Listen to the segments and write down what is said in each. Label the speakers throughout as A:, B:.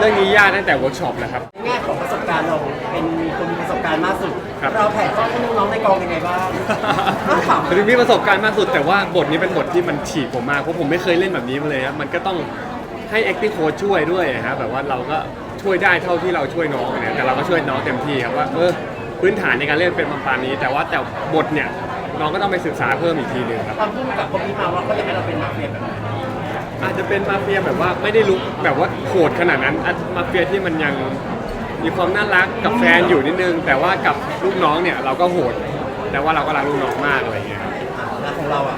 A: รื่องนี้ยากตั้งแต่เวิร์กช็อปแล้วครับ
B: แง่ของประสบการณ์เราเป็นคนมีประสบการณ์มากสุด
A: ครับ
B: เราแผนข้อให้น้องๆในกองยังไงบ้างน่าขำ
A: ถึงมีประสบการณ์มากสุดแต่ว่าบทนี้เป็นบทที่มันฉีกผมมากเพราะผมไม่เคยเล่นแบบนี้มาเลยครับมันก็ต้องให้ acting coach ช่วยด้วยครับแบบว่าเราก็ช่วยได้เท่าที่เราช่วยน้องเนี่ยแต่เราก็ช่วยน้องเต็มที่ครับว่าพื้นฐานในการเล่นเป็นประมาณนี้แต่บทเนี่ยน้องก็ต้องไปศึกษาเพิ่มอีกทีหนึงครับ
B: ตอนพูดกับคนนี้มาว่าเขาอยากให้เราเป็นมาเฟียแบบไหน
A: อาจจะเป็นมาเฟียแบบว่าไม่ได้ลุกแบบว่าโหดขนาดนั้นมาเฟียที่มันยังมีความน่ารักกับแฟนอยู่นิดนึงแต่ว่ากับลูกน้องเนี่ยเราก็โหดแต่ว่าเราก็รักลูกน้องมากอะไรอย่างเงี้ยครับ
B: แล้วของเราอ่ะ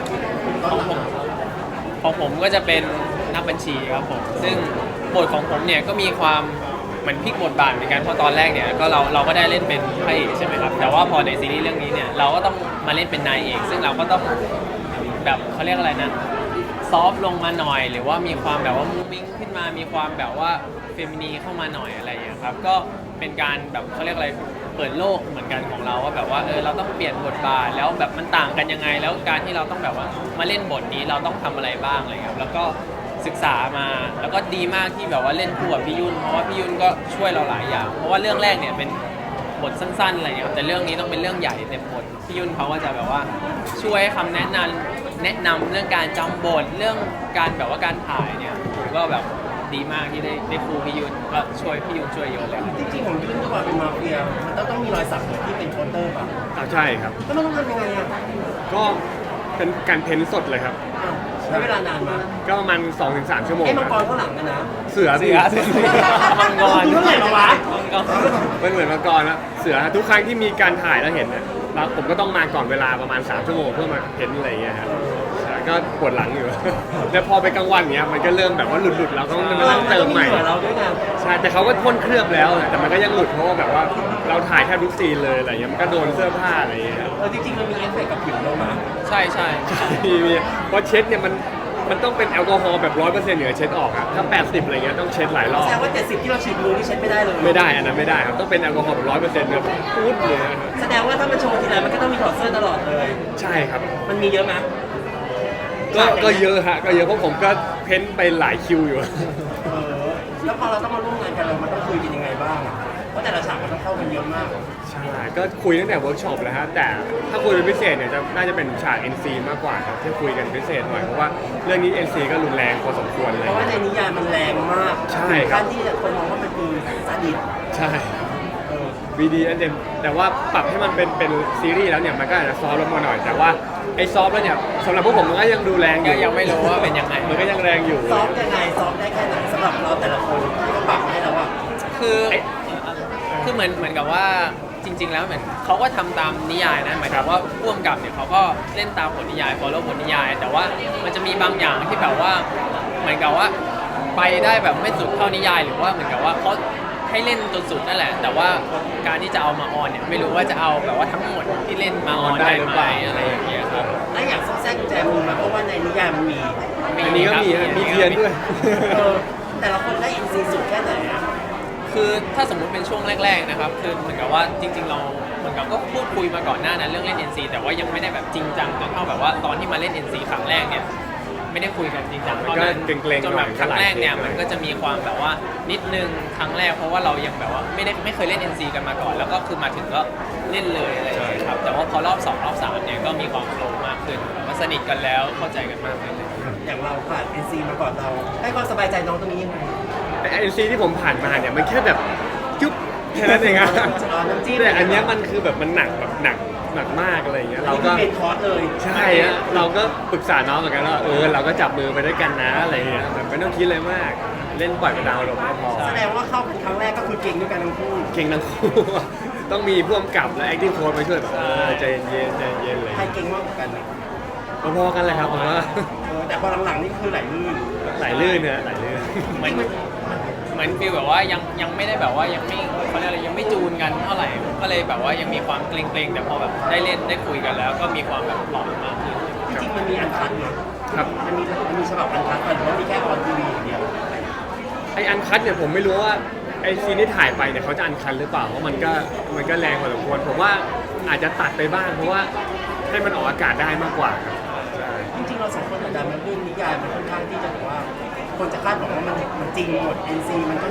C: ของผมก็จะเป็นนักบัญชีครับผมซึ่งบทของผมเนี่ยก็มีความเหมือนพลิกบทบาทเหมือนกันเพราะตอนแรกเนี่ยก็เราก็ได้เล่นเป็นพระเอกใช่ไหมครับแต่ว่าพอในซีรีส์เรื่องนี้เนี่ยเราก็ต้องมาเล่นเป็นนายเอกซึ่งเราก็ต้องแบบเขาเรียกอะไรนะซอฟต์ลงมาหน่อยหรือว่ามีความแบบว่ามูฟวิ่งขึ้นมามีความแบบว่าเฟมินีเข้ามาหน่อยอะไรอย่างเงี้ยครับก็เป็นการแบบเขาเรียกอะไรเปิดโลกเหมือนกันของเราว่าแบบว่าเราต้องเปลี่ยนบทบาทแล้วแบบมันต่างกันยังไงแล้วการที่เราต้องแบบว่ามาเล่นบทนี้เราต้องทำอะไรบ้างอะไรเงี้ยแล้วก็ศึกษามาแล้วก็ดีมากที่แบบว่าเล่นคู่กับพี่ยุ่นเพราะว่าพี่ยุ่นก็ช่วยเราหลายอย่างเพราะว่าเรื่องแรกเนี่ยเป็นบทสั้นๆอะไรเงี้ยแต่เรื่องนี้ต้องเป็นเรื่องใหญ่เต็มบทพี่ยุ่นเขาก็จะแบบว่าช่วยให้คำแนะนำเรื่องการจำบทเรื่องการแบบว่าการถ่ายเนี่ยผมก็แบบดีมากที่ได้ครูพี่ยุ่นก็ช่วยพี่ยุ่นช่วยเยอะเลย
B: จริงๆผมขึ้นตัวเป็นมาเฟียมันต้องมีรอยสักเหมือนที่เป็นโคเตอร์ป่ะ
A: ใช่ครับ
B: แล้วมันต้องทำยังไงอ่ะ
A: ก็เป็นการเพ้นท์สดเลยครับ
B: อ้าวใช้เวลานานมาก
A: ก็ประมาณ 2-3 ชั่วโมง
B: ไอ้มัง
A: ค
B: ก
A: รับ
B: รข้างหลังนะ
A: เสือ
C: มังกร
B: เท่าไหร่มาวะ
A: มันเหมือนมังกรนะเสือทุกครั้งที่มีการถ่ายแล้วเห็นเนี่ยแล้วผมก็ต้องมาก่อนเวลาประมาณ3 ชั่วโมงเพื่อมาเพ้นท์อะไรอย่างเงี้ยครับใช่ก็ปวดหลังอยู่ แล้วพอไปกลางวันเนี้ยมันก็เริ่มแบบว่าหลุดๆเราต้องมานั่งเติมใหม่
B: เหมือนเราด้วยไง
A: ใช่แต่เขาก็พ่นเคลือบแล้วนะแต่มันก็ยังหลุดเพราะว่าแบบว่าเราถ่ายแทบทุกซีนเลยอะไรเงี้ยมันก็โดนเสื้อผ้าอะไรอย่างเงี้ยครับ
B: จริงๆมันมีเอฟเฟกต์กับผิวเรามา
C: ใช่ใช่
A: มีเพราะเช็ดเนี่ยมันต้องเป็นแอลกอฮอล์แบบ100%เหนือเช็ดออกอะถ้า80อะไรเงี้ยต้องเช็ดหลายรอบ
B: แสดงว่า70ที่เราฉีดมือนี่เช็ดไม่ได้เลย
A: ไม่ได้อันนั้นไม่ได้ครับต้องเป็นแอลกอฮอล์แบบ100%แบบพูดเลยนะครับ
B: แสดงว่าถ้ามันโชว์ทีไรมันก็ต้องมีถอดเสื้อตลอดเลย
A: ใช่ครับ
B: มันมีเยอะไหม
A: ก็เยอะฮะก็เยอะเพราะผมก็เพ้นไปหลายคิวอยู่
B: แล้วพอเราต้องมาร่วมงานกันเรามันต้องคุยกันยังไงบ้างอะเพราะแต่ละฉากมันต้องเข้ากันเยอะมาก
A: ใช่ก็คุยตั้งแต่เวิร์กช็อปแล้วฮะแต่ถ้าคุยเป็นพิเศษเนี่ยน่าจะเป็นฉาก NC มากกว่าครับที่คุยกันพิเศษหน่อยเพราะว่าเรื่องนี้ NC ก็รุนแรงพอสมควรเลย
B: เพราะว่าในนิยายมันแรงมาก
A: ใช่ครับ
B: การที่คนมองว่ามันคือซาดิส
A: ใช่วีดีอันเดมแต่ว่าปรับให้มันเป็นซีรีส์แล้วเนี่ยมันก็อาจจะซอฟต์ลงมาหน่อย แต่ว่าไอ้ซอฟต์แล้วเนี่ยสำหรับพวกผมมันก็ยังดูแรงอ
C: ก็
A: ยู่
C: ยังไม่รู้ว่าเป็นยังไง
A: มันก็ยังแรงอยู่
B: ซ้อมยังไงซ้อมได้แค่ไหนสำหรับเราแต่ละคนที่เขาปรับมาให้เราอะ
C: คือเหมือนกับว่าจริง ๆ แล้วเหมือนเขาก็ทำตามนิยายนะหมายถึงว่าพ่วงกับเนี่ยเขาก็เล่นตามบทนิยาย follow บทนิยาย แต่ว่ามันจะมีบางอย่างที่แบบว่าเหมือนกับว่าไปได้แบบไม่สุดเท่านิยาย หรือว่าเหมือนกับว่าเขาให้เล่นจนสุดนั่นแหละ แต่ว่าการที่จะเอามาออนเนี่ยไม่รู้ว่าจะเอาแบบว่าทั้งหมดที่เล่นมาออนได้ไหมอะไรอย่างเงี้ยครับ
B: และอย่างซอกแซกกุญแจมือมาเพราะว่าในนิยายมันมี
A: อันนี้ก็มีฮะมีเทียนด้วย
B: แต่ละคนได้อินซีสุดแค่ไหนอะ
C: คือถ้าสมมุติเป็นช่วงแรกๆนะครับคือเหมือนกับว่าจริงๆเราเหมือนกับก็พูดคุยมาก่อนหน้านั้นเรื่องเล่น NC แต่ว่ายังไม่ได้แบบจริงจังจนเท่าแบบว่าตอนที่มาเล่น NC ครั้งแรกเนี่ยไม่ได้คุยกันจริงจัง
A: มันก็เกรงๆ
C: จนแบบ
A: หน่อย
C: ครั้งแรกเนี่ย
A: ก็หลายเทป
C: มันก็จะมีความแบบว่านิดนึงครั้งแรกเพราะว่าเรายังแบบว่าไม่เคยเล่น NC กันมาก่อน แล้วก็คือมาถึงก็เล่นเลยอะไรอย่างเงี้ยครับแต่ว่าพอรอบ2รอบ3เนี่ยก็มีความโฟลว์มากขึ้นแบบว่าสนิทกันแล้วเข้าใจกันมากขึ้นเลย
B: อย่างเราผ่านอินซีมาก่อนเราให้ความสบายใจน้องตรงนี้ยังไง
A: แต่ NC ที่ผมผ่านมาเนี่ยมันแค่แบบจุ๊บแค่นั้นเองอะ
B: น้ำจิ้ม
A: แต่อันเนี้ยมันคือแบบมันหนักแบบหนักมากอะไรอย่างเงี้ย
B: เรา
A: เรา
B: ก็
A: ก็
B: เป็นคอร์สเลย
A: ใช่ฮะเราก็ปรึกษาน้องเหมือนกันว่าเราก็จับมือไปด้วยกันนะอะไรอย่างเงี้ยแบบไม่ต้องคิดอะไรมาก เล่นปล่อยไปดาวลงก็พอ
B: แสดงว่าเข้าเป็นครั้งแรกก็คือเก่งด้วยกันทั้งคู่
A: เก่งทั้งคู่ ต้องมีพ่วงกับและ acting coach มาช่วยแบบใจเย็นใจเย็นเลย
B: ใครเก่งมากกว่ากันอะ
A: พอๆกันเลยครับผมว่า
B: แต่พอหลังๆนี่คือไหลลื่น
A: ไหลลื่นเนี่ยไหลลื่น
C: เหมือนฟีลแบบว่ายังไม่ได้แบบว่ายังไม่เขาเรียกอะไรยังไม่จูนกันเท่าไหร่ก็เลยแบบว่ายังมีความเกรงๆแต่พอแบบได้เล่นได้คุยกันแล้ว ก็มีความแบบปลอดมากขึ้น
B: จริงๆมันมีอันคัดเนาะ
A: ครับ
B: มันมีฉบับอันคัดป่ะหรือว่ามีแค่ออนทีวีอย่างเดียว
A: ไออันคัดเนี่ยผมไม่รู้ว่าไอซีนที่ถ่ายไปเนี่ยเขาจะอันคัดหรือเปล่าเพราะมันก็แรงพอสมควรผมว่าอาจจะตัดไปบ้างเพราะว่าให้มันออกอากาศได้มากกว่าครับใช่
B: จริงๆเราสองคนอาจจะมันเรื่องนิยายมันค่อนข้างที่จะแบบว่า คนจะคาดหวังว่ามันจริงหมด NC มันก็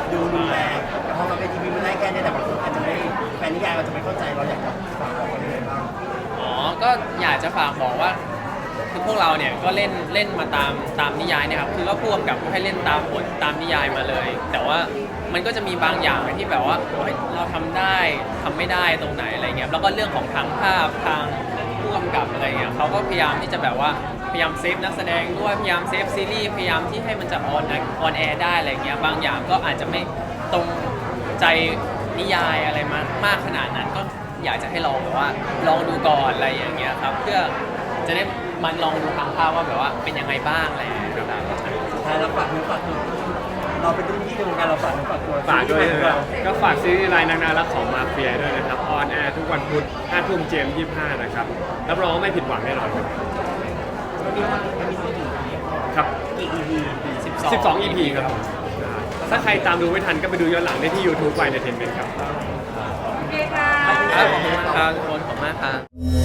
B: ดูรุนแรงแต่พอมาเป็นทีวีมันได้แค่นี้แต่บางคนอาจจะไม่แฟนนิยายเราจะไม่เข้าใจเราอยากจะฝากบอกอะไรยังไงบ้าง
C: อ๋อก็อยากจะฝากบอกว่าคือพวกเราเนี่ยก็เล่นมาตามนิยายเนี่ยครับคือก็พ่วงกับให้เล่นตามบทตามนิยายมาเลย แต่ว่ามันก็จะมีบางอย่างที่แบบว่าเฮ้ยเราทำได้ทำไม่ได้ตรงไหนอะไรเงี้ยแล้วก็เรื่องของทางภาพทางผู้กำกับอะไรเงี้ยเขาก็พยายามที่จะแบบว่าพยายามเซฟนักแสดงด้วยพยายามเซฟซีรีส์พยายามที่ให้มันจะออนแอร์ได้อะไรเงี้ยบางอย่างก็อาจจะไม่ตรงใจนิยายอะไรมากขนาดนั้นก็อยากจะให้ลองแบบว่าลองดูก่อนอะไรอย่างเงี้ยครับเพื่อจะได้มันลองดูทางภาพว่าแบบว่าเป็นยังไงบ้างอะไรอย่างเงี้ยครับ
B: สุดท้ายเราฝากเนื้อฝากตัวเราเป็นรุ่นพี่ในวงการเราฝากเนื้อฝากตัว
A: ฝากด้วย
B: ซีรีส์
A: นะ
B: ใหม่ของเรา
A: ก็ฝากซีรีส์รายนางนารักของมาเฟียด้วยนะครับออนแอร์ทุกวันพุธ5 ทุ่มเจม25นะครับรับรองว่าไม่ผิดหวังแน่นอนครับ
B: มันมีกี่
A: ครับ
B: EP
A: 12 EP ครับถ้าใครตามดูไม่ทันก็ไปดูย้อนหลังได้ที่ YouTube ไวเดนเทนเมนต์ครับ
D: โอเคค่ะ
C: ครับขอบคุณครับทุกคนขอบคุณมากครับ